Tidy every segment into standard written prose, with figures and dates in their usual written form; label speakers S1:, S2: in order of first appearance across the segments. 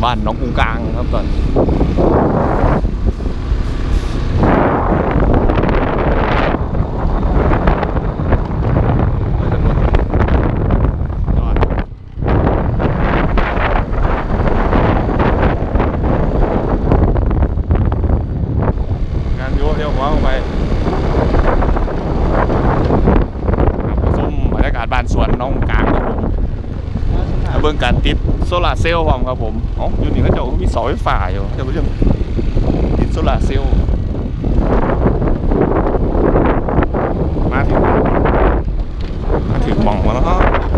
S1: บ้านน้องกรุงกลางครับตอนงานโยเดี๋ยวผมเอาไปส้มบรรยากาศบ้านสวนน้องกลางครับผมเบื้องการติดโซลาร์เซลล์ผมครับผมอ๋ออยู่นี่ก็จะมีเสาไฟฟ้าอยู่จะเป็นเรื่องติดโซลาร์เซลล์มาถึงหม่องมาแล้ว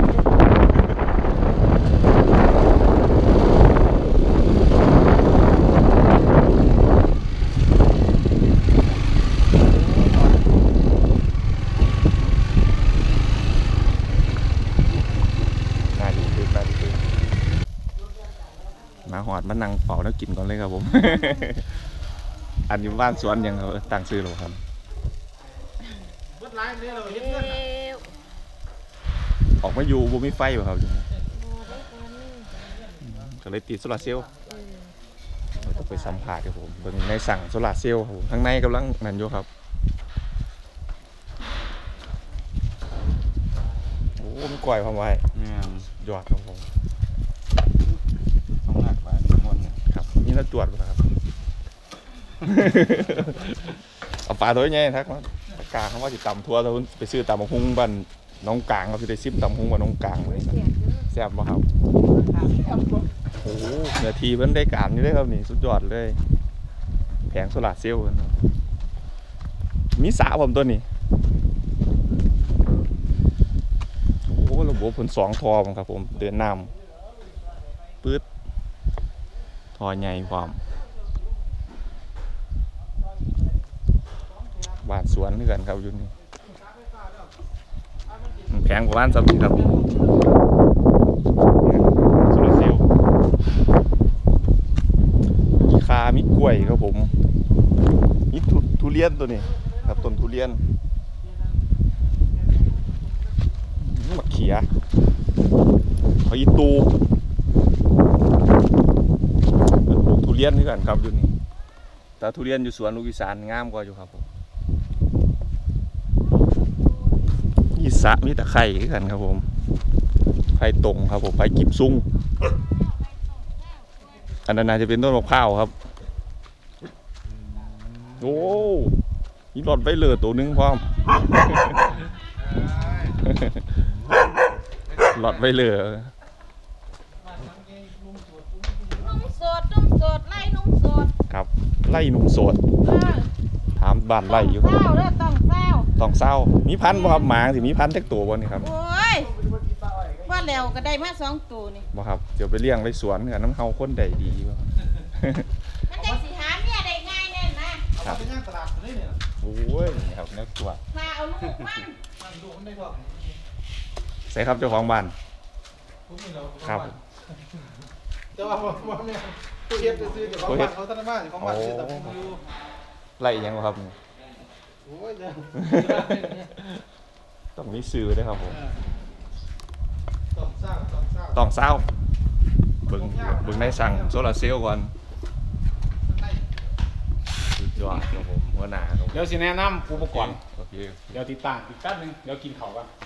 S1: มาหอดมานั่งเป่าแล้วกินก่อนเลยครับผม อันนี้บ้านสวนยังเขาตั้งซื้อหรอครับออกมาอยู่บ่มีไฟป่ะครับก็เลยติดโซลาร์เซลล์ต้องไปสัมผัสครับผมเบิ่งในสั่งโซลาร์เซลล์ครับผมข้างในกำลังนั่นอยู่ครับโอ้มีกล้วยพร้อมไว้ยอดครับผมต้องหนักไว้หมดครับนี่เราตรวจป่ะครับ เอาปลาตัวใหญ่ทักมากลางเขาว่าจะตำทั่วแล้วไปซื้อตำมะฮุ้งบ้านน้องกลางเขาจะได้ซิมตำมะฮุ้งบ้านน้องกลางเลยแซ่บป่ะครับโอ้โหเนื้อทีเพิ่นได้การนี่เลยครับนี่สุดยอดเลยแผงโซลาร์เซลล์มีสระผมตัวนี้โอ้ระบบผล2 ทอครับผมเดินน้ำปื๊ดทอใหญ่ความบ้านสวนนี่กันครับอยู่นี่แพงกว่าบ้านสำครับโซลาร์เซลล์มีคามีกล้วยครับผมมีทุเรียนตัวนี้ครับต้นทุเรียนมะเขือหอยตูปลูกทุเรียนนี่กันครับอยู่นี่แต่ทุเรียนอยู่สวนลูกอีสานงามกว่าอยู่ครับผมมีสระมีตะไคร่กันครับผมไผ่ตรงครับผมไผ่กิบซุ้งอันนั้นน่าจะเป็นต้นมะพร้าวครับโอ้ยหลอดไว้เลยตัวนึงพร้อม หลอดไว้เลย
S2: นุ่มสดไล่นุ่มสด
S1: ครับไล่นุ่มสดถามบ้านไล่อยู่ครับต้องเศร้ามีพันธุ์บ่ครับหมาสิมีพันธุ์แท็กตัวบ่นี่ครับ
S2: โอ้ยว่าแล้วก็ได้มา2 ตัวนี่
S1: บ่ครับเดี๋ยวไปเลี้ยงไว้สวนกันน้ำเฮาคนใดดีบ่
S2: มันจะสิหาเนี่ยได้ง่ายแน่นนะครับ
S3: เป็นย่างตลาดเลยเนี่ย
S1: โอ้ยนี่ครับเนื้อตัว
S2: มาเอาลูกมัน
S3: ดูมันได้บ่
S1: ใส่ครับเจ้าของบ้านครับ
S3: จะว่าเนี่ยผู้เฮ็ดซื้อเดี๋ยวของบ้านเขาท่านบ้านของบ้านซื้อแต่ผมอยู่
S1: ไล่ยังครับ
S3: โอ้ยจ้ะ
S1: ต้องมีซื้อด้วยครับผม
S3: ต้องเศร้า
S1: เบิ่งได้สั่งโซลาร์เซลล์ก่อนสุดยอดครับผมหัวหน้าครับ
S4: เดี๋ยวสิแนะนำอุปกรณ์
S1: โอเค
S4: เดี๋ยวติดตั้งอีกแป๊บนึงเดี๋ยวกินข้าวกัน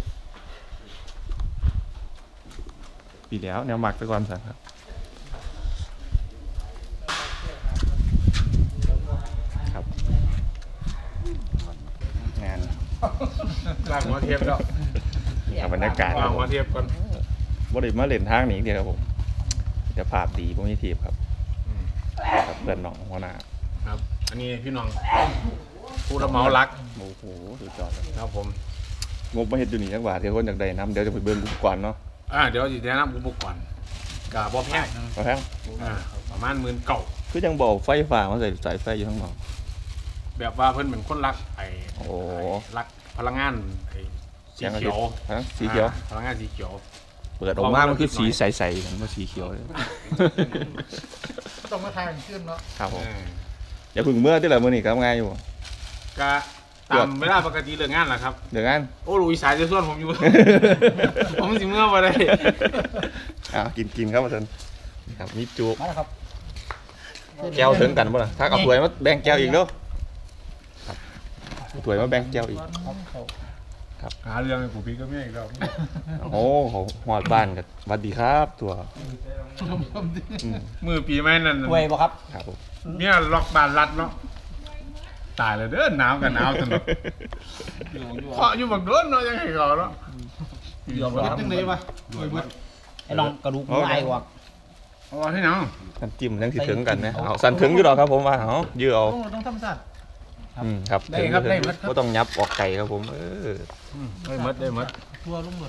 S1: ปีแล้วแนวหมักไปก่อนสั่งครับครับงาน
S4: ล้างหัวเทียบแล้ว
S1: บรรยากาศ
S4: ล้างหัวเทียบก่อน
S1: บ่ได้มาเล่นทางนี้เดียวครับผมแต่ภาพดีพวกนี้ทีครับเพื่อนน้องหัวหน้า
S4: ครับอันนี้พี่น้องผู้รับเหมารัก
S1: โอ้โหสุดยอด
S4: ครับผม
S1: งบมาเห็นอยู่นี่จังหวะเดี๋ยวคนอยากได้น้ำเดี๋ยวจะไปเบิ่งอุปกรณ์เนาะ
S4: เดี๋ยวจะแนะนำอุปกรณ์กับบ่แพงประมาณ19,000
S1: คือยังบอกไฟฟ้ามาใส่สายไฟอยู่ข้างนอก
S4: แบบว่าเพิ่นเป็นคนรักรักพลังงานสีเขียว
S1: สีเขียว
S4: พลังงานสีเขียว
S1: เปิดออกมามันคือสีใสๆเหมือนว่าสีเขียวเลย
S3: ต้องมาทายขึ้นเนาะ
S1: ครับผมอย่าพึ่งเมื่อที่ไหนมื่อนี่ครับไงอยู่
S4: ก็ตามเวลาปกติเรื่องงานแหละครับ
S1: เรื่องงาน
S4: โอ้ลุยสายจะส่วนผมอยู่ ผมสิเมื่อมาได้
S1: กินครับอาจารย์ครับมีจุ
S5: มาแล้วครับ
S1: แก้วถึงกันบ่ล่ะถ้าเอาถ้วยมาแบ่งแก้วอีกเด้อครับถ้วยมาแบ่งแก้วอีก
S4: หาเรื่องให้กูพี่ก็ไม่อีกแล้ว
S1: โอ้เขาหอดบ้านกันสวัสดีครับตัว
S4: มือปีใหม่นั่น
S5: ถ้วยบ่ครับ
S1: ครับผม
S4: เมียล็อกบ้านรัดเนาะตายเลยเด้อหนาวกันหนาวสนุกเคาะอยู่บักโดนเนาะยังให้เขาเนาะ
S3: เดี๋ยวเฮ็ดจังได๋วะโอ้ยเบิด
S5: ไอ้ลองกระดูกหมูไอ้วะ
S4: เอาที่หนัง
S1: น้ำจิ้มยังสิถึงกันนะเอาสั่นถึงอยู่หรอกครับผมว่าเอายื้อเอา
S3: ต้องธรรมชาติ
S1: ครับก็ต้องยับออกไก่ครับผม
S4: ได้หมดได้หมด
S3: ทั่วลงหมด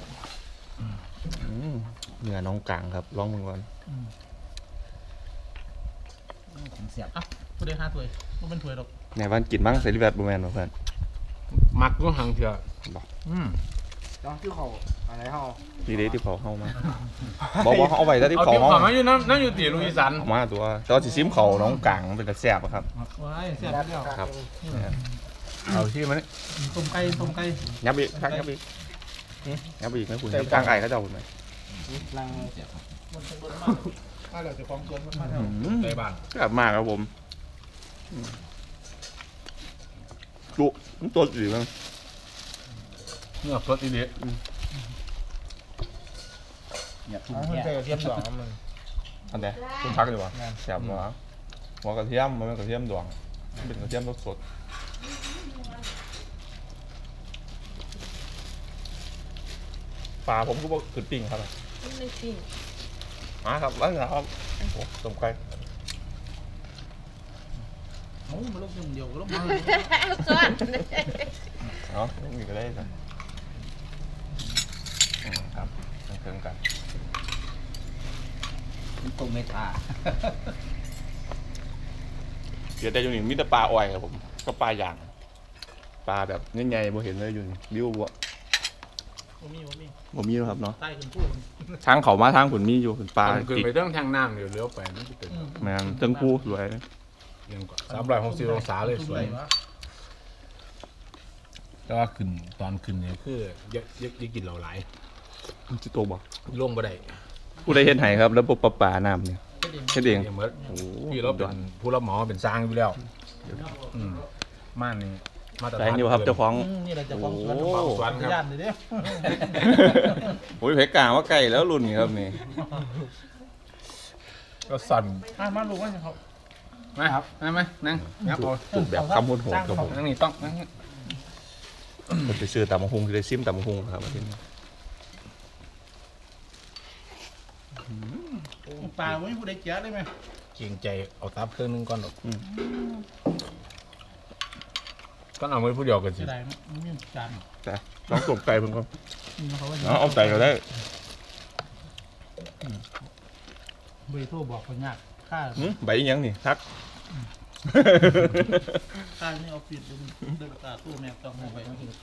S1: เนื้อน้องกลางครับลองมือก่อน
S5: เสียบ
S3: อ่ะบ่ได้5ถ้วยบ่เป็นถ้วยดอก
S1: ในบ้านกินบ้างใส่ลิเวอร์พูลแมนบ่เพื่อน
S4: มักก็หังเถอะ
S3: ลองที่เขาอะไรเฮา
S1: ดีเด้ที่เผาเข้ามาบอกเอาไว้แล้วที่
S4: เอา
S1: เผา
S4: ที่
S1: เข้า
S4: ของอยู่นั่นอยู่ตีลุงอีสัน
S1: มาตัวแต่ว่าสิซิมเขาน้องกลางเป็นกระแสบครับ
S3: ว้ายแซ่บแล้ว
S1: ครับ
S4: เอาที่มัน
S3: ต้มไก่
S1: ยับอีกครับยับอีกยับอีกนะคุณยับกลางไก่เขาจะเอาไหม
S5: ลังเสียบ
S3: มาแล้วเจ้าของสวนมันมาแล้ว
S4: ในบ้าน
S1: กลับมากครับผมจุตัวสีมั้ง
S4: เนื้อสดอีเดีย
S5: เนี่ยทุก
S3: มัน
S5: เนี่ย
S3: ใส่กระเทียมดองมัน
S1: อันเนี้ยคุณพักดีกว่าแสบหัวกระเทียมมันเป็นกระเทียมดวงเป็นกระเทียมสดปลาผมก็บอกขึ้นปิ้งครับ
S2: ไม่จริง
S1: มาครับแล้วนะครับโอ้ต้มไก่
S3: โอ้มันลงอย่างเดียวก็ลงมา
S2: ซ้อน
S1: เนาะนี่ก็ได้ครับครับเครื่องกัน
S5: ตรงเมตา
S1: เดี๋ยวแต่อยู่นี่มีแต่ปลาอ่อยครับผมก็ปลาอย่างปลาแบบใหญ่ๆบ่เห็นเลยอยู่นี่ริ้วบ่
S3: บ่มี
S1: บ่มีแล้วครับเนาะ
S3: ใต้ขึ้นพูด
S1: ทางเขามาทางผุนมีอยู่ผุนปลา
S4: ขึ้น
S1: จิก
S4: ไปเรื่องทางน้ำเดี๋ยวเลี้ยวไปนั่นจะเป็น
S1: แม่นเติ้งผู้สวย
S4: ยังกว่า360องศาเลยสวยแต่ว่าขึ้นตอนขึ้นเนี่ยคือยักกินเราหลาย
S1: จิโตบอก
S4: ลงบ่ได้
S1: ผู้ใดเฮ็ดให้ครับแล้วปลาน้ำเนี่ยเฮ็ดเอง
S4: เมื่อ
S1: โอ้
S4: พี่เราเป็นผู้รับหมอเป็นสร้างอยู่แล้วม่านนี่มาตร
S1: ใจ
S4: ฐาน
S1: นี่ครับเจ้าของ
S3: นี่แหละเจ้าของสวน
S1: โอ้
S4: สวนครับ
S3: ย่านเลยเด้
S1: โอ้ยเพกกลางว่าไก่แล้วรุ่นนี้ครับนี่
S4: ก็สั่น
S3: มาลูกว่าเขา
S4: ไหมครับไหมนั่งงับเอา
S1: จุดแบบคำพูดโหดครับผม
S4: นั่งนี่ต้องนั่ง
S1: ผมไปซื้อตำบักหุ่งที่ได้ซิมตำบักหุ่งครับอาทิตย์นี้
S3: ปลาไม่ผู้ใดเจียได้ไหม
S4: เกรงใจเอาตับเครื่องนึงก่อนหรอกก็เอาไว้ผู้เดียวกันสิ
S3: จะได้ไม่มีจาน
S1: แต่ลองตบไก่เพิ่นก่อน
S3: เขาว่า
S1: เอาไก่ก็ได้
S3: เบอร์โทรบอกคนยากค่า
S1: ใบอีหยังนี่ทัก
S3: ค่านี่ออฟฟิศเดินตาตู้แม่ต้องเอาไป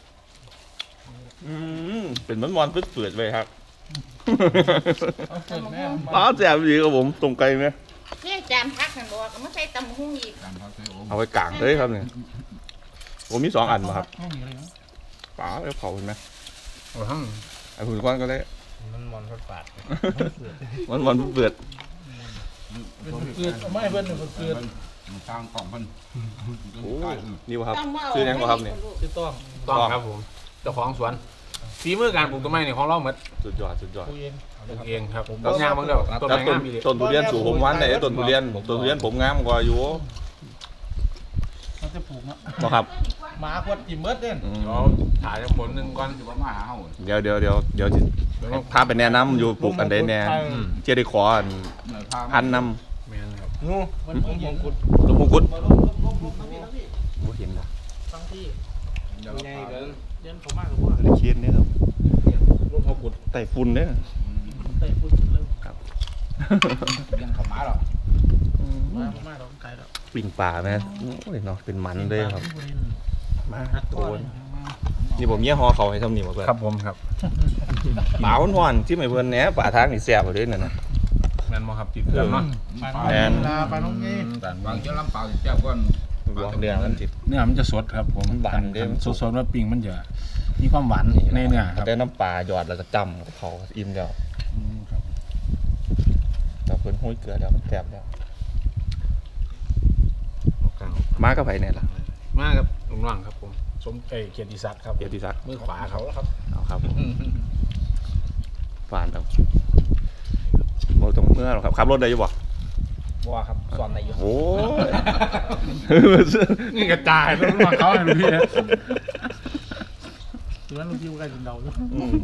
S1: เป็นมันๆเปื่อยๆไปครับ
S3: เอาเปิดแม่
S1: ป้าแซ่บดีครับผมตรงไก่ไหม
S2: เนี่ยจานพักกันบอกไม่ใช่ตำหุ้งอีก
S1: เอาไปกางเลยครับเนี่ยผมมี2 อันมาครับ
S3: ห้องนี้อะไรนะ
S1: ป๋าแล้วเผาเห็นไหม
S4: เอาทั้ง
S1: ไอ้หุ่นก้อนก็ได้
S4: มันมอนพัดปาด
S1: มันเปื่อย
S3: เกิดไม่เพื่อนหนึ่งเกิด
S6: ทางกล่องเพิ่น
S1: โอ้นี่วะครับ
S2: ต้องมาเอา
S1: ซื้อยังบ่ครับเนี่ย
S3: จะต้อง
S4: ต้องครับผมเจ้าของสวนฝีมือการปลูกต้นไม้เนี่ยของเราหมด
S1: สุดยอด
S3: ตัวเอง
S4: ปลูกเองครับต้นยางบางเดียวต้น
S1: แล้ว
S4: ไม้งามมีเลย
S1: ต้นทุเรียนสูงผมวันไหนต้นทุเรียนผมงามกว่าอยู่
S3: มันจะปลูกนะ
S1: บ่ครับ
S3: หมาขวดจิมเบิร์ดเด่น
S4: เราถ่ายผลหนึ่งก่อน
S6: สิว่ามาหาเฮา
S1: เดี๋ยวสิพาไปแนะนำอยู่ปลูกอันใดแน่เจ๊ได้ขออัน
S6: ทาง
S1: พันน
S4: แม่นครับ
S3: งูมันมงกุฎ
S1: ำลูกมงกุฎ
S3: มาลงทั้งที่
S1: บ่เห็นละ
S3: ทั้งที่
S6: เดี๋ยว
S3: เดินเขามากกับว่า
S1: เคียนเนี่ยครับ
S4: รูปพอกุด
S1: ไต้ฝุ่นเนี่ย
S3: เตะฝุ่นเริ่ม
S6: ยังเข้ามาหรอก
S3: มาเราไกลแล้ว
S1: ปิ่งป่าแม่โอ้ยเนาะเป็นมันเลยครับมาโดนนี่ผมเมียฮอเขาให้ทำนี่มาเพื่อน
S4: ครับผมครับ
S1: ป่าฮ้อนๆที่ไม่เพื่อนแหน่ป่าทางนี่แซ่บเลยนั่นน่ะ
S4: แม่นบ่ครับติดเครื่องเนาะ
S3: ไปน้องงี้
S6: บางเจ้าลำเปล่าสิแซ่บกว่า
S1: บอกเรื่องนั้นจิต
S4: เนื้อมันจะสดครับผม
S1: หวานเด้อ
S4: สดๆว่าปิ้งมันจะมีความหวานในเนื้อครับ
S1: ได้น้ำปลาหยอดแล้วก็จำเขาอิ่มแล้ว
S4: ครับ
S1: ครับเพิ่นห้อยเกลือแล้วมันแซ่บแล้วมากับไผเนี่ยล่ะ
S4: มาครับลุงว่างครับผมสมเกียรติศักดิ์ครับ
S1: เกียรติศักดิ์
S4: มือขวาเขาแล้วครับ
S1: เอาครับผมฝานเอาบ่ต้องเมื่อหรอกครับขับรถได้อยู่บ่
S5: บัวครับสอนในอยู่
S1: โอ้
S4: นี่กระจายแล้วลุงว่างเขาเลยพี่
S3: ตัวนั้นลูกที่ใกล้ถึงเราแล้ว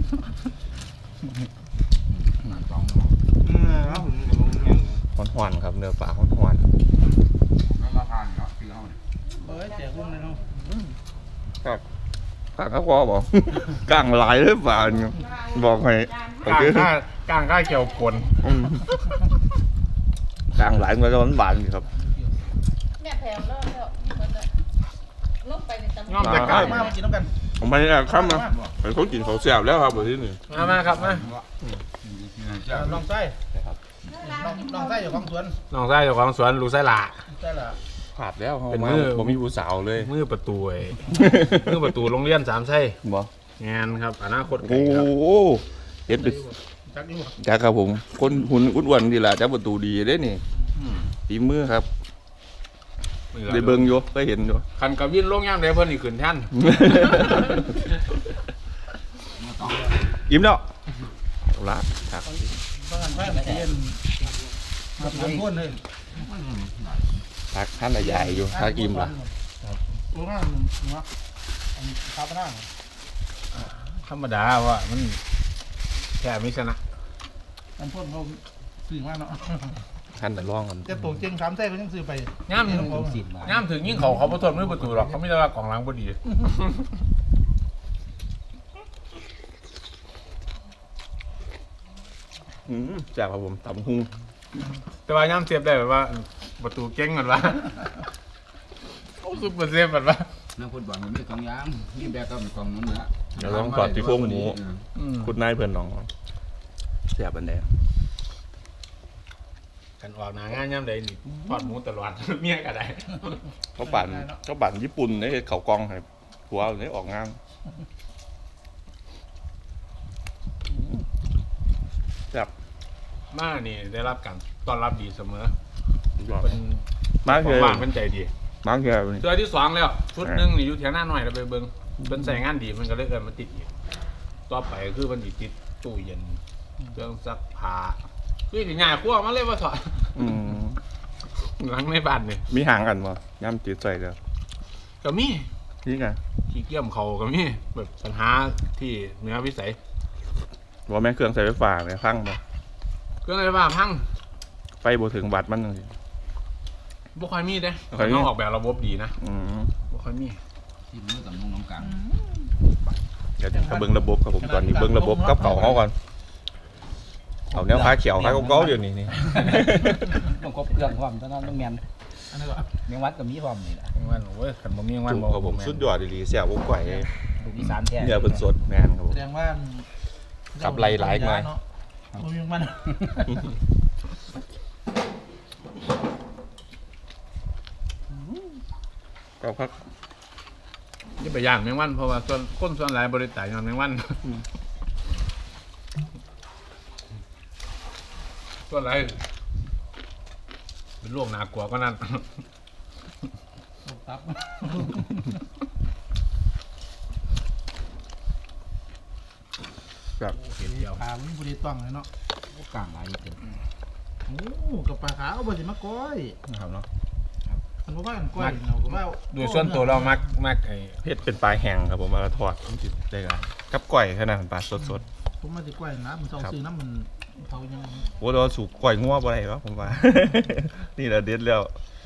S1: หวานๆครับเนื้อปลาหวาน
S6: แล้วมาทานเนาะที่เขาเนี่ย
S3: เฮ้ยแจกพวกนั้นเนาะ
S1: ๆครับกลางก็พอบ่ กลางหลายเลยปลาเนี่ยบอกให้โอก
S4: ลาง
S1: เค
S4: ข้าเกี่ยวกวน
S1: อืมกลางหลายมันก็หวานๆอยู่ครับ
S2: เนี่ยแถมแล้วลงไปในตำ
S4: ง้อมแต่กลาง
S3: มากินน้ำกัน
S1: ผมไปแอบข้ามมาไปเขากินเขาแซ่บแล้วครับแบบที่นี่
S4: มาครับมา
S3: น้องไส้น้องไส้อยู่ของสวน
S4: น้องชายเจ้าของสวนลูกไส้หลา
S3: ใช่ละ
S1: ขาดแล้วเขา
S4: เป็น
S1: มา
S4: มือ
S1: ผมมีผู้สาวเลย
S4: มือประตูมือประตูโรงเรียนสามไส้
S1: บ่
S4: งานครับอนาคตไกล
S1: โอ้
S4: ครับ
S1: โหเห็นเป็น
S3: จักอยู่
S1: จ้าครับผมคนหุ่นอ้วนๆดีล่ะจ้าประตูดีเด้นี่ฝีมือครับได้เบิ่งอยู่ได้เห็นอยู่
S4: คันกับวินลงย่างเดี๋ยวเพิ่นอีกขึ้นแท่น
S1: ยิ้มแล้วเอาละครับ
S3: บางอันไฟมันเย็นมาถึงพ่นเลย
S1: พักท่านละใหญ่อยู่พักอิ่มละ
S3: ตัวนั้นเนาะอันคาปน่า
S4: ธรรมดาว่ามันแค่ไม่ชนะ
S3: อันพ่นเขาซื้อมาเนาะ
S1: ท่านแต่ร้องกัน
S3: จะตกเจง3ไส้ก็ยังซื้อไป
S4: ย่าม
S5: สินมา
S4: ย่ามถึงยิ่งเขาประทนมือประตูหรอกเขาไม่ได้ว่ากล่องล้างพอดี
S1: แซ่บครับผมตำหุ้ง
S4: แต่ว่าย่ามเสียบได้แบบว่าประตูเก่งเหมือนว่าโอ้ซุปเปอร์เซฟเหมือนว่า
S6: นักฟุตบอลมันมีกองยางนี่แบกก็มีกองนั้นนะ
S1: เดี๋ยวลองกอดที่โค้งหมูคุณนายเพื่อนน้องแซ่บอันแดง
S4: กันออกหนางานย่ามใดนี่ทอดหมูตลอด เมียก็ได้
S1: เขาปั่นญี่ปุ่นในเขากองให้หัวนี่ออกงานแซ่บ
S4: มานี่ได้รับการต้อนรับดีเสมอ
S1: ยอด
S4: เป็น
S1: มาเคือ
S4: ว่างเป็นใจดี
S1: มาเคือ
S4: เจอที่สองแล้วชุดหนึงนี่อยู่แถวหน้าหน่อยเราไปเบิ่งเป็นใส่งานดีมันก็เลยเอินมาติดอีกต่อไปคือมันติดตู้เย็นเครื่องซักผ้าคือถึงง่ายขั้วมาเลยว่าถอด
S1: อืม
S4: หลังในบ้านเนี่ย
S1: มีห่างกันบ่ย่ำจืดใส่เด้อ
S4: ก็มี
S1: นี่ไง
S4: ขี้เกียจเขาก็มีแบบปัญหาที่เหนือวิสัย
S1: ว่าแม่เครื่องใส่ไฟฟ้าเนี่ยพังบ่
S4: ก็เลยว่าพัง
S1: ไฟบ่ถึงวัดมันจังซี่
S4: บ่ค่อยมีเด้
S1: บ่ค่อยมี
S4: ต้องออกแบบระบบดีนะ
S1: อืม
S4: บ่ค่อยมี
S6: ที่มือกับน้องกลาง
S1: เดี๋ยวจะเบิ่งระบบครับผมตอนนี้เบิ่งระบบกับเขาก่อนเอาแนวขาเขียวขาเก่าๆเดี๋ยวนี้นี่
S5: ต้องครบเครื่องพร้อมตอนนั้นต้องแมน
S3: อันนี้ก็
S5: เมียงวัดกับมีพร้อมนี่แหละ
S4: แม่งวันโอ้ยขันบ่มีแม่งวัน
S1: ถูก
S4: บ่
S1: ครับผมสุดยอดดีๆแซ่บบ่ก่อย
S5: ลูกอีสานแท้
S1: เนี่ยเพิ่นสดแม่นครับผ
S3: แส
S1: ม
S3: ดงว่า
S1: กับไหลหลายหน่อย
S3: มันยังมัน
S1: ก็พัก
S4: นี่ไปย่างแมงวันเพราะว่าส่วนคนส่วนหลายบริษัทย้อนแมงวันส่วนหลายเป็นโรคหนากลัวก็นั่น
S3: ตับ
S1: ครับ
S4: เห็นเดียว
S3: ปลามันบริต้องเลยเนาะ
S5: กลางหลายเต็ม
S3: โอ้กับปลาขาวบริมาก้อย
S1: นะครับเนาะ
S3: มันบอกว่ากันก้อยเราก็ว่า
S4: โดยส่วนตัวเรามักไอ้
S1: เฮ็ดเป็นปลาแห้งครับผมเอามาทอดมันสิได้กันกับก้อยแค่นั้นเป็นปลาสด
S3: ผมมาติก้อยนะมันต้องซื้อน้ำมันเผายัง
S1: ๆโอ้เราสูบก้อยงัวบ่ได้วะผมว่า นี่แหละเด็ดแล้ว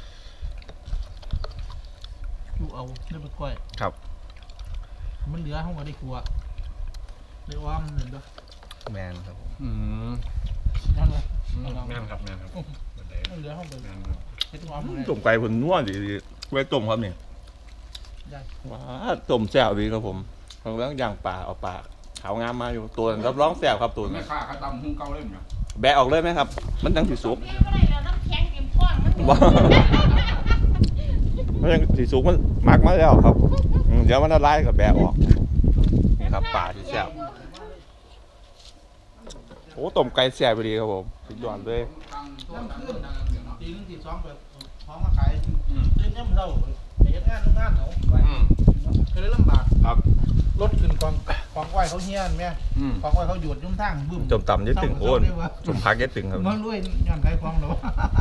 S3: อยู่เอาได้ไปก้อย
S1: ครับ
S3: มันเหลือห้องก็ได้ครัวได้อ้อมเห็นด้วย
S1: แมนครับผม
S3: นั่นเลย
S4: แม่นครับบันได
S3: มันเหลือห้องไป
S4: แม่นครับ
S3: เฮ็ดอ้อมเลย
S1: ต้มไก่ผลนัวดีไว้ต้มครับนี่
S3: ได้
S1: ว้าต้มแซ่บดีครับผมเราเรื่องย่างปลาเอาปลาขาวงามมาอยู่ตัวนั้นรับรองแซ่บครับตัว
S6: ไม่
S1: นั้น
S6: ฆ่าเขาตำหุ้งเก่าเลยมั้ย
S1: แบะออกเลยไหมครับ มันจังสิสุก
S2: เรียกว่าอะไรเราน้ำแข็งเต็มข้องมัน
S1: บ่มันจังสิสุกมันหมักมาแล้วครับเดี๋ยวมันละลายกับแบะออกนี่ครับปลาที่แซ่บโอ้ต้มไก่แซ่บไปดีครับผมสุดยอดเลย
S3: น้ำขึ้นตีนึงตีสองแบบท้องมาขายตื่นย่ำเท่าไปเฮ็ดงานโรงงานเขาก็เลยลำบาก
S4: ครับ
S3: รถขึ้นกองไหวเขาเฮี้ยนแม่กองไหวเขาหยุดยุ่งทางบึ้ม
S1: จมต่ำยึดตึงโอนจมพักยึดตึงครับ
S3: มันรวยย้อนขายของเหรอ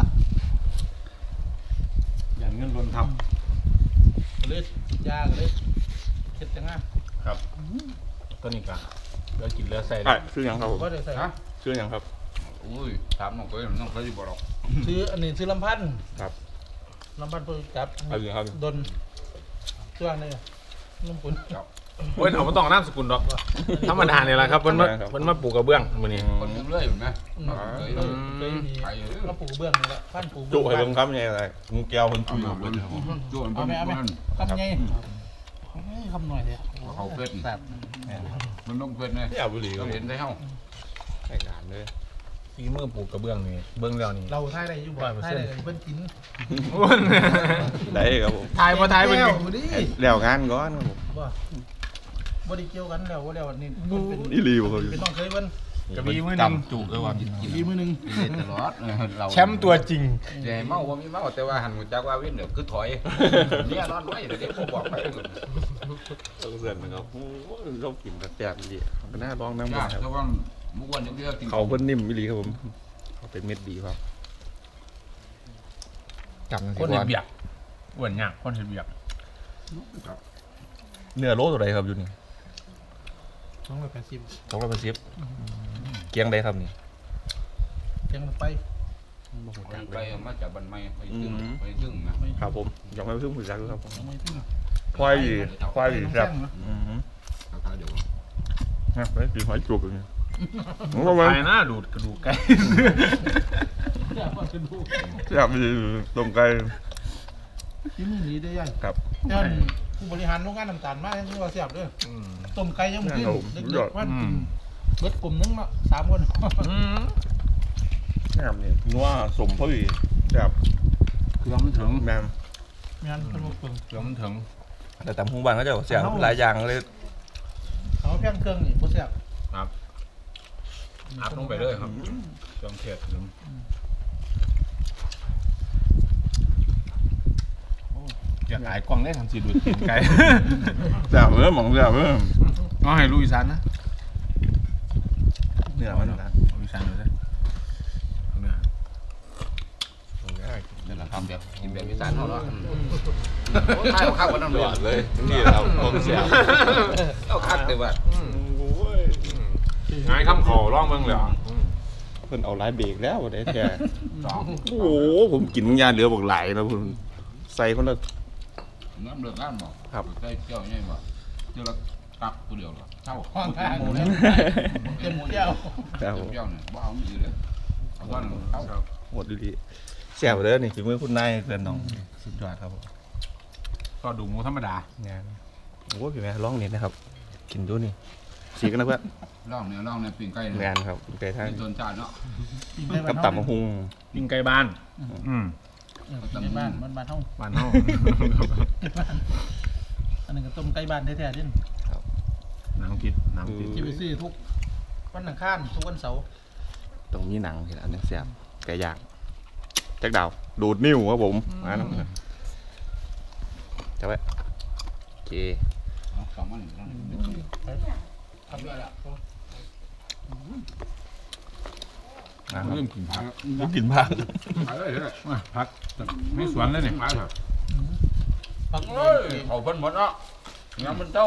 S4: อย่างเงินล้นทับ
S3: เลยยาก็เลยเข็ดจังอ่ะ
S4: ครับต้นนี้ก็เหลือกินเหลือใส่
S1: ไอ้ชื่อยังครับผม
S3: ก็ได้ใส่
S1: ชื่อยังครับ
S6: อุ้ยถามน้องเคยน้องเคยอยู่บ่หรอก
S3: ซื้ออันนี้ซื้อลำพันธ์
S1: ครับ
S3: ลำพันธ์เพื่อจับ
S1: เอาอยู่ครับ
S3: ดนช่วงนี้ลุงปุ่น
S4: เว้ยเอามาต้องนามสกุลดอกธรรมดาเนี่ยแหละครับเพิ่นมาปลูกกระเบื้องมื้อนี้
S6: คนยังเลื่อยอยู่ไหมเคย
S3: เคยมีมาปลูกเบื้องนี่แหละพันปลูก
S1: จุ
S3: เบื้อง
S1: ให้เบิ่งครับนี่อะไรงูแก้วคน
S6: เอา
S1: จุย
S6: มาเบิ้ลโจ้น
S3: เอาไหมเอาไหมคำไงคำหน่อยเลย
S6: เขาเพชร
S3: แบบ
S6: มันต้องเพชรไง
S1: ที่อาบุรี
S6: ก็
S1: ก็
S6: เห็
S1: เห็
S6: น
S1: น
S6: ได้เฮ้า
S1: ในงานเลย
S4: ฝีมือปลูกกระเบื้องนี่เบิ่งแล้วนี่
S3: เราท่ายได้อยู่บ่ท่ายได้เพิ่นกิน
S1: ได้ครับผม
S4: ทายบ่ทายเพิ่น
S3: แล้ว
S4: กิน
S3: ดิ
S1: แล้วงานก่อนครับผม
S3: บ่ได้เกี่ยวกันแล้วว่าแล้วนี่เพิ่นเป็น
S1: อีหลีบ่ครับ
S3: เป็นน้องเคยเพิ่น
S4: กระบี่มือหนึง
S1: จุกเลยว่า
S3: มีมือนึง
S6: กินตลอดเรา
S4: แชมป์ตัวจริง
S6: ใหญ่เมาว่ามีเมาแต่ว่าหันหัวจักว่าวิ่งเดี๋ยวคือถอยเนี่ยนอนไว้เดี๋ยวผมบอกไป
S1: ต้องเสื่อนนะครับโอ้เรากินแต่แซ่บดีก็น่าลองน้ำ
S6: ยา
S1: มัน
S6: ก
S1: ครับ
S6: แต่ว่ามุกวันยังเลือกกิน
S1: เขาเพิ่นนิ่มอีหลีครับผมเขาเป็นเม็ดดีครับจำ
S4: คนเฮ็ดเบียกอ้วนยากคนเฮ็ดเบียก
S1: เนื้อโลตัวใดครับอยู่นี่
S3: 280
S1: 280เกียงใดครับนี่
S3: เพียงไป
S6: ไปมาจากบันไม้ไปถึงนะครับ
S1: ผมยังไม่เพิ่งผู้จักครับผม
S3: ไม่ถึง
S1: ควายดีครับ
S6: ราคาเดี๋ยว
S1: นะไปกินหอยจุกอย่างนี้
S4: ตายนะดูดกระดูกไก่
S1: อยากไปต้มไก่
S3: ที่มือนี้ได้ยัง
S1: ครับ
S3: ย้อนผู้บริหารโรงงานน้ำตาลมากที่ว่าเสียบด้วยต้มไก่ยังไม่ขึ้นเด็กๆว่าเบิดกลุ่มนึงเนาะ3 คน
S1: งามเนี่ยนัวสมพอดีแบบ
S4: เครื่องมันถึง
S1: แมม
S3: งานเป็นว่าเพิ่ง
S4: เครื่องมันถึง
S1: แต่ตำพุงบานเขาจะเสียงหลายอย่างเลย
S3: เขาเพียงเครื่องนี่บ่เสียบ
S4: ครับอัพลงไปเลยครับเครื่องเทศถึงอยากขายกล่องได้ทันทีดูดกินไก่
S1: แซ่บเว้ยหมองแซ่บเว้ย
S4: เอาให้ลุยซันนะ
S1: เนื้อมันนะ
S4: ลุยซันดูสิเนื้อ
S6: นี่แหละทำแบบกินแบบอีสานเขาเนาะใช่เอาข้าววันนั้น
S1: หลอดเลยนี่เราผมเสียบ
S6: เอาคักแต่ว่า
S4: ง่ายคำขอร้องเมืองเลยเหรอ
S1: เพิ่นเอาหลายเบรกแล้วได้แท้โอ้โหผมกินยาเหลือบอกไหลนะคุณใส่คนละ
S6: น้ำเลือดน้ำบอก
S1: ครับ
S6: ได้เจ้าเนี่ยบอกเจ้าละตักตัวเดียวหรอเท่า
S3: ห้องข้างเต็มเที่ยว
S1: ครับ
S6: เจ้าเนี่ยบ้าเอาอยู่เลยเอาว่าเท่า
S1: หมดดีๆแซ่บเลยนี่ฝีมือคุณนายเพื่อนน้องสุดยอดครับผม
S4: ก็ดูหมูธรรมดาง
S1: านโอ้พี่แม่ร้องนิดนะครับ กินดูนี่สีกันนะเพื่อน
S6: ล่องเนี่ยปิ้งไก่
S1: งานครับไก่ท่าน
S6: เป็นต้นจานเนาะ
S1: กับตับมะฮุง
S4: ปิ้งไก่บ้าน
S3: ในบ้านบ้านเฮา
S4: บ้านเฮา
S3: อันนึงก็ต้มไก่บ้านแท้ๆดิ
S4: น้ำพริก
S3: ที่ไปซื้อทุกวันอังคารทุกวันเสาร์
S1: ตรงนี้หนังเห็นอันนี้แซ่บไก่ย่างแจ็คดาวดูดนิ้วครับผมมาแล้วจะไว้โอเค
S6: สองวัน
S3: ทำได้ละ
S1: นะครับ
S6: เริ่มกินผัก
S1: ไม่กินผัก
S6: ผักเลยเลย
S4: พักไม่สวนเลยเนี่ย
S6: ผักเถอะ
S3: ปัก
S6: เฮ้ยเขาเพิ่นหมดเนาะน้ำมันเต้า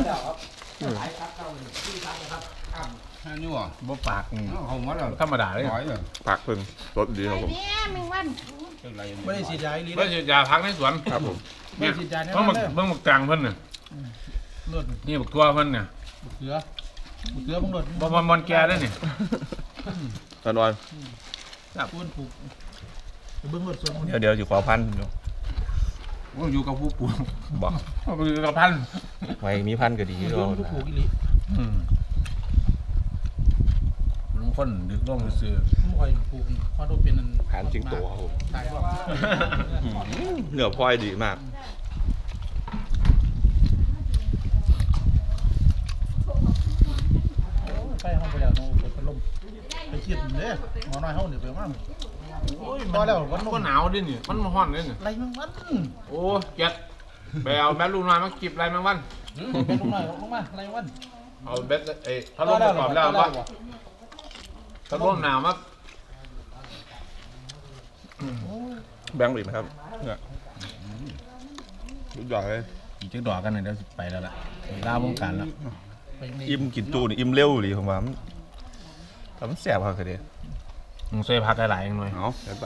S6: นี่วะ
S4: บ่ปาก
S6: เขาหมดแล้ว
S4: ธรรมดาเลย
S6: ร้อยเลย
S1: ผักเพิ่งรสดีครับผม
S2: เนี่ยมึงวัน
S3: ไม่ได้ฉีดยาอีหลี
S4: ไม่
S3: เลย
S4: ใช่ยาพักในสวน
S1: ครับผม
S3: ไม่ได้ฉีดยาเนี่ย
S4: เบิ่งหมก
S3: เลย
S4: เบิ่งหมกจางเพิ่นน่ะ
S3: เลือด
S4: นี่บักตัวเพิ่นน่ะ
S3: เกลือมึงเลือด
S4: บ่มันแก่ได้นี่
S1: ตอนวัน
S3: ปูนผูกเบิ้งเลือดส่วน
S1: เดี๋ยวอยู่ขอพันอยู่
S6: ว่าอยู่กับผู้ปลูก
S1: บอก
S4: เอาไปกับพัน
S1: ไว้มีพันก็ดี
S3: เลื
S1: ก็
S3: อดผูกอีหลี
S4: ลุงคนดึกลงซื่อ
S3: ไม่ค่อยผูกเพราะโดนเป็น
S1: หานจริงตัวครับผม
S3: ตายแล้ว
S1: เนื้อพลอยดีมาก
S3: ไปห้องไปแล้วต้องเปิดพัดลลมไปคิดเด้หมอน้อยเฮานี่ไปมาโอ้ยพอแล้ววัน
S4: ก็หนาวดินี่มันร้อนดินี่
S3: ไรมัน
S4: โอ้เจ็ดไปเอาแบตลูกน้อยมากิบไรแมงวัน
S3: เป็นลงหน่อยลงมาไรมัน
S4: เอาแบตถ้าลมประกอบแล้วปะถ้าลมหนาวมาก
S1: แบงค์หลีนะครับเนี่ยสุดยอดเลย
S3: อีกจักดอกกันเดี๋ยวไปแล้วล่ะลาวงการแล้ว
S1: อิ่มกินจูนี่อิ่มเร็วหรือผมว่ามันแสบครับคือเดีย
S4: มึงช่วยพักหลายๆหน่อย
S1: เอาไป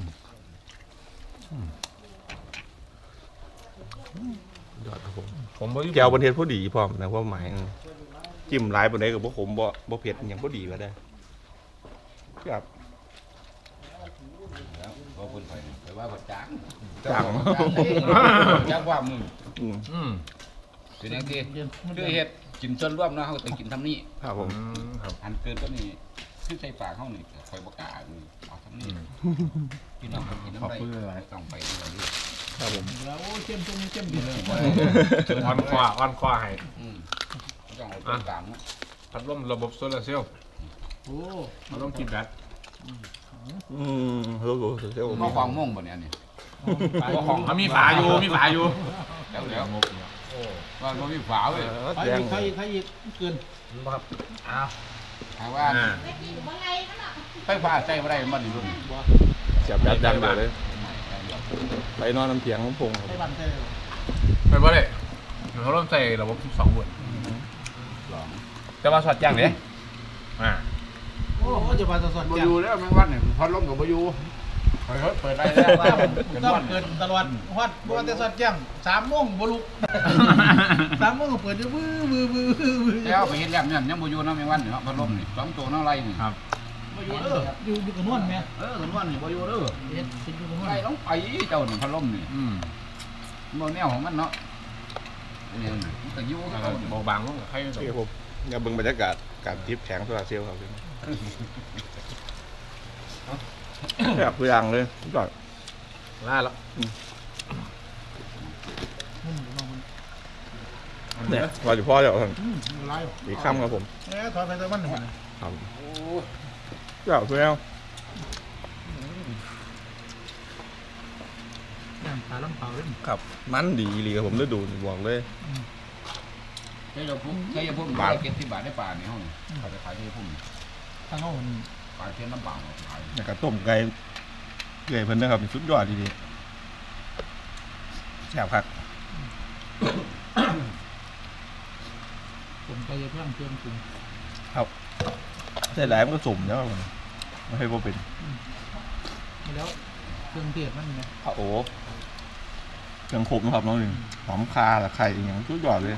S1: ยอดครับผม
S4: ผมบ่
S1: แก้วบนเทศพอดีพร้อมนะเพราะหมายจิ้มหลายบนไหนกับพวกผมบ่เผ็ดอย่างพอดีก็ได้ครับ
S6: ก็คนไปว่าผัดจาง
S1: จัง
S6: จางว่ามึง เป็นอย่างที่
S3: คือ
S6: คือเฮ็ดกินส่วนร่วมนะเขาต้องกินทำนี่
S1: ครับผม
S4: ครับ
S6: อันเกินก็นี่คือใส่ปากเขานี่คอยประกาศเอาทำนี่พี่น้องคนกินน้ำได้ต้องไปดูนี่
S1: ครับผม
S3: แล้วโอ้เข้มเข้มดีเลย
S4: อ่อนคอให้
S6: ต้องเอาตัวกลางนะ
S4: พัดลมระบบโซลาร์เซลล์
S3: โอ้
S4: พัดลมกินแบต
S1: รู้เซลล์
S6: มาควางม่งบ่เนี่ยนี่
S4: มีฝาอยู่
S6: แล้วว่ามันมีฝาเว้ย
S3: ใครอีกเกิน
S6: ถามว่าไฟฟ้าใช้ไม่ได้มันรุ่น
S1: เสียบยัดดังเลยไปนอนน้ำเถียงของพง
S3: ให้บันเต้
S4: ไม่บ่ได้เขาเริ่มใส่ระบบ12 โวลต์จะมาสอดอย่างเด้
S3: โอ้จะมาสด
S6: บ่
S3: ๆ
S6: อยู่แล้วแมงวันเนี่ยพัดลมกับบ่อยู่เปิดได้แล้ว
S3: ต้องเกิดตลอดฮอดบ่ว่าแต่สดแจ้ง3 โมงบ่ลุก3 โมงก็เปิดอยู่บื้อ
S6: แล้วไปเห็นแล้วเนี่ยยังบ่อยู่นะแมงวันเนี่ยพัดลมนี่2ตัวน้ำไรนี่
S4: ครับ
S3: บ่อยู่เด้ออยู่กับนวลแม่
S6: แมงวันนี่บ่อยู่เด้อ
S3: เฮ็ดสิอยู่กับนวล
S6: ไรต้องไปเจ้านี่พัดลมนี่บ่แนวของมันเนาะเนี่ยมันก็อยู่
S4: เบาบางลงให้
S1: นี่ผมเนี่ยเบิ่งบรรยากาศการทิพย์แข็งโซลาร์เซลล์ครับแบบตัวอย่างเลยก่อน
S4: ล่าแล้ว
S1: เนี่ยพออยู่พ่อเดี๋ยว
S3: หลาย
S1: อีกค่ำครับผม
S3: ถอยไปแต่วันนึง
S1: ครับเจ้าตัวแล้ว
S3: ย่างปลาลำเผาเด้อ
S1: ครับมันดีเลยครับผมได้ดูบอกเลย
S6: ใช่พุ่มเก็บที่บาทได้ปลาในห้องเขาจะขายที่พุ่ม
S3: ทางเฮามัน
S6: ปลาเทียนน้ำเปล่าขาย
S1: อยากกระต้มไก่เกลือเพิ่นนะครับสุดยอดดีๆแซ่บครับ
S3: ผมไปเพิ่มเครื่องปรุง
S1: ใส่หลายมันก็สุ่มแล้วไม่ให้พวกเป็น
S3: แล้วเครื่องเทศมันไง
S1: โอ้เครื่องครบนะครับน้องหนึ่งหอมคาหรือไข่อย่างสุดยอดเลย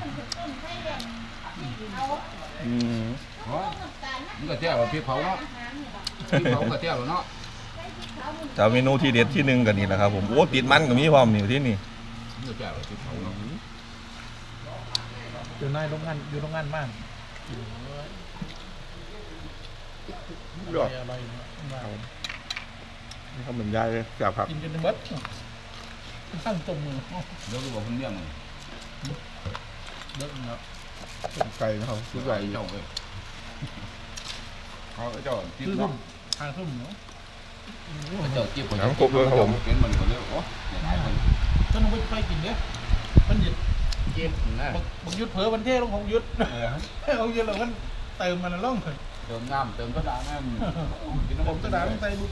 S6: มันก็เที่ยวพี่เผาเนาะพี่เผาก็เที่ยวเนาะ
S1: แต่เมนูที่เด็ดที่หนึ่งกันนี่แหละครับผมโอ้ติดมันก็มีพร้อมอยู่ที่นี่
S6: มันก็เที่ยวพี่เผาเนาะ
S3: อยู่ในโรงงานมาก
S1: ยอด
S3: อร่อยมาก
S1: นี่เขาเหมือนยายเลยแซ่บครับ
S3: กินจนเบิดตั้งจมมือ
S6: เดี๋ยวรู้ว่าคนเลี้ยง
S3: เบิดแล้ว
S1: ไก่นะครับสุดยอด
S6: เจ้าเลยเขาเจ้าจิ้ม
S3: คือ
S6: เนาะ
S3: ทางทุ่มเนาะ
S6: เจ้าจิ้มน้ำครบเลยครับผมเป็นมันก็เลยโอ้ยหลายคน
S3: ก็น้องไปกินเด้อมันหยุด
S6: จิ้มนะ
S3: บังยุดเผลอวันเท่ลงของยุดของยุดแล้วมันเติมมันล่อง
S6: เติมน้ำเติมกระดาษน้ำกินน้ำ
S3: ผมกระดาษต้องใส่บุก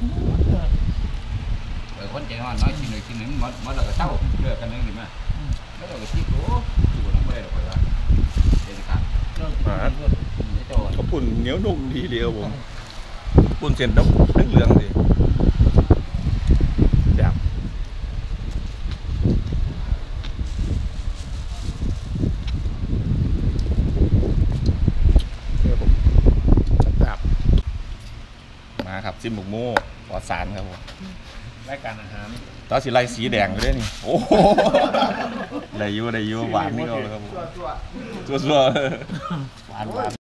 S6: คนใจร้อนน้อยกินเลยกินหนึ่งมันเราก็เช่าเลือกกันนึงดีไหมแล้วเราก็จิ้มโอ้อยู่น้ำไม่ได้หรอกว่าเด็ดขาดเจ้า
S1: เขาปุ่นเหนียวนุ่มดีเดียวผมปุ่นเส้นดำเหลืองๆสิแซ่บมาครับซิมบุกโม่ปอดสารครับผม
S4: รายการอาหาร
S1: ตาสีไล่สีแดงไปด้วยนี่โอ้โหได้อยูหวานนี่ก็เลยครับผมจั่วๆหวาน